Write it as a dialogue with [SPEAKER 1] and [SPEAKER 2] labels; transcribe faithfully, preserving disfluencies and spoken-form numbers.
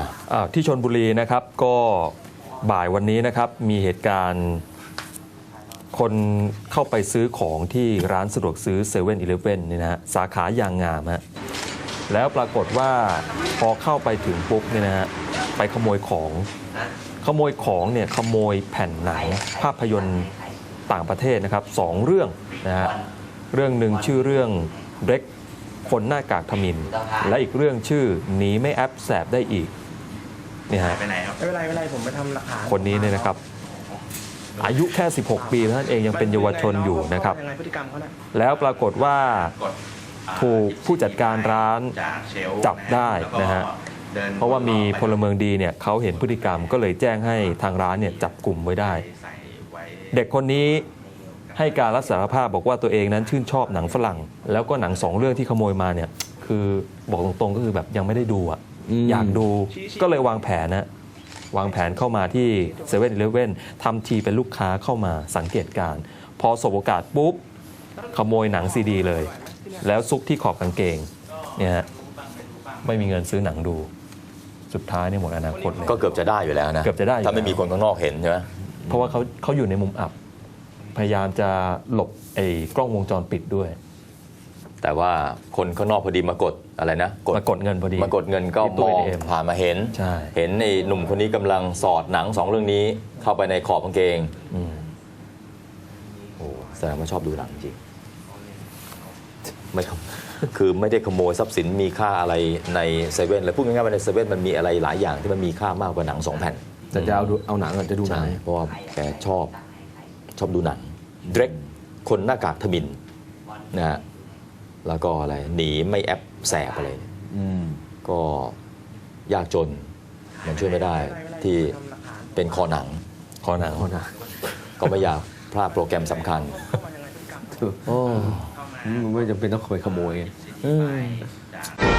[SPEAKER 1] อ่าที่ชลบุรีนะครับก็บ่ายวันนี้นะครับมีเหตุการณ์คนเข้าไปซื้อของที่ร้านสะดวกซื้อเซเว่นอีเลฟเว่นนี่นะฮะสาขายางงามฮะแล้วปรากฏว่าพอเข้าไปถึงปุ๊บเนี่ยนะฮะไปขโมยของขโมยของเนี่ยขโมยแผ่นหนังภาพยนตร์ต่างประเทศนะครับสองเรื่องนะฮะเรื่องหนึ่งชื่อเรื่องเร็กคนหน้ากากทมิฬและอีกเรื่องชื่อหนีไม่แอปแสบได้อีกนี่ฮะ
[SPEAKER 2] ไปไหนครับ
[SPEAKER 3] ไม่เป็นไรไม่เป็นไรผมไปทำหลักฐาน
[SPEAKER 1] คนนี้เนี่ยนะครับอายุแค่สิบหกปีเท่านั้นเองยังเป็นเยาวชนอยู่นะครับ
[SPEAKER 3] ยังไงพฤติกรรมเขาน่ะ
[SPEAKER 1] แล้วปรากฏว่าก
[SPEAKER 2] ดอ่า
[SPEAKER 1] ถูกผู้จัดการร้าน
[SPEAKER 2] จากเชลฟ์
[SPEAKER 1] จับได้นะฮะ
[SPEAKER 2] แล้วก็ดิน
[SPEAKER 1] เพราะว่ามีพลเมืองดีเนี่ยเขาเห็นพฤติกรรมก็เลยแจ้งให้ทางร้านเนี่ยจับกลุ่มไว้ได้
[SPEAKER 2] ใส่ไว้
[SPEAKER 1] เด็กคนนี้ให้การรับสารภาพบอกว่าตัวเองนั้นชื่นชอบหนังฝรั่ง แล้วก็หนังสองเรื่องที่ขโมยมาเนี่ยคือบอกตรงๆก็คือแบบยังไม่ได้ดูอ่ะอยากดูก็เลยวางแผนนะวางแผนเข้ามาที่เซเว่นอีเลฟเว่นทำทีเป็นลูกค้าเข้ามาสังเกตการณ์พอสบโอกาสปุ๊บขโมยหนังซีดีเลย แล้วซุกที่ขอบกางเกงเนี่ยฮะไม่มีเงินซื้อหนังดูสุดท้ายเนี่ยหมดอนาคตเลย
[SPEAKER 4] ก็เกือบจะได้อยู่แล้วนะ
[SPEAKER 1] เกือบจะได้อยู่
[SPEAKER 4] ถ้าไม่มีคนข้างนอกเห็นใช่ไหม
[SPEAKER 1] เพราะว่าเขาเขาอยู่ในมุมอับ พยายามจะหลบไอ้กล้องวงจรปิดด้วย
[SPEAKER 4] แต่ว่าคนข้างนอกพอดีมากดอะไรนะ
[SPEAKER 1] มากดเงินพอดี
[SPEAKER 4] มากดเงินก็
[SPEAKER 1] ที่ตู้
[SPEAKER 4] มอง
[SPEAKER 1] เอ ที เอ็ม
[SPEAKER 4] ผ่านมาเห็น
[SPEAKER 1] ใช่
[SPEAKER 4] เห็นไอ้หนุ่มคนนี้กำลังสอดหนังสองเรื่องนี้เข้าไปในขอบกางเกง
[SPEAKER 1] อืม
[SPEAKER 4] โอ้แสดงว่าชอบดูหนังจริงไม่ครับ คือไม่ได้ขโมยทรัพย์สินมีค่าอะไรในเซเว่นเลยพูดง่ายๆว่าในเซเว่นมันมีอะไรหลายอย่างที่มันมีค่ามากกว่าหนังสองแผ่น
[SPEAKER 5] แต่จะเอาดูเอาหนังก่อนจะดูหนั
[SPEAKER 4] ใช่
[SPEAKER 5] ง
[SPEAKER 4] เพราะว่าแกชอบชอบดูหนังเดรกคนหน้ากากทมิฬนะฮะแล้วก็อะไรหนีไม่แอปแสบอะไรเนี่ย
[SPEAKER 5] อืม
[SPEAKER 4] ก็ยากจนมันช่วยไม่ได้ที่เป็นคอหนัง
[SPEAKER 1] คอหนัง
[SPEAKER 5] โทษนะ
[SPEAKER 4] ก็ไม่อยากพลาดโปรแกรมสำคัญ
[SPEAKER 3] เข้ามายังไงพฤติกรรม
[SPEAKER 5] โอ้มันไม่จำเป็นต้องไปขโมย
[SPEAKER 4] อืม
[SPEAKER 2] จาก